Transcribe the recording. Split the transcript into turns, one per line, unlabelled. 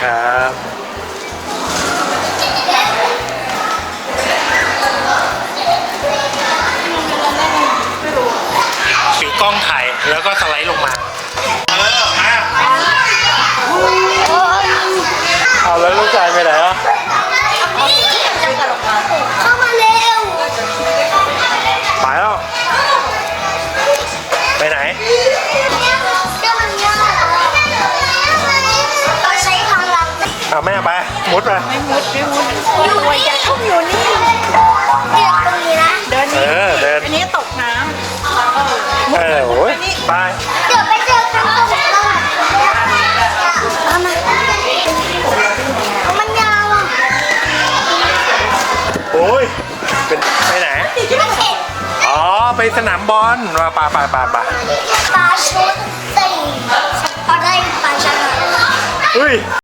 ครับถือกล้องถ่ายแล้วก็สไลด์ลงมามาเอาแล้วลูกชายไปไหนอ่ะ
เข้ามาเร็ว
ไปแล้วไปไหน
เราใช้พลัง
เอาแม่ไปมุดไป
ไม่มุดคนรวยจะต้องอยู่นี่
เดินตรงนี้นะ
เดินนี่
เดิน
อันนี้ตกน้ำ
โอ้ยไป
เดี๋ยวไปเจอกันตรงนั้นเอามามันยาวอ่ะ
โอ้ยเป็นไปไหนอ๋อไปสนามบอลมาปา
ปลาชุดสี่เอาได้ปลาชนะ
เฮ้ย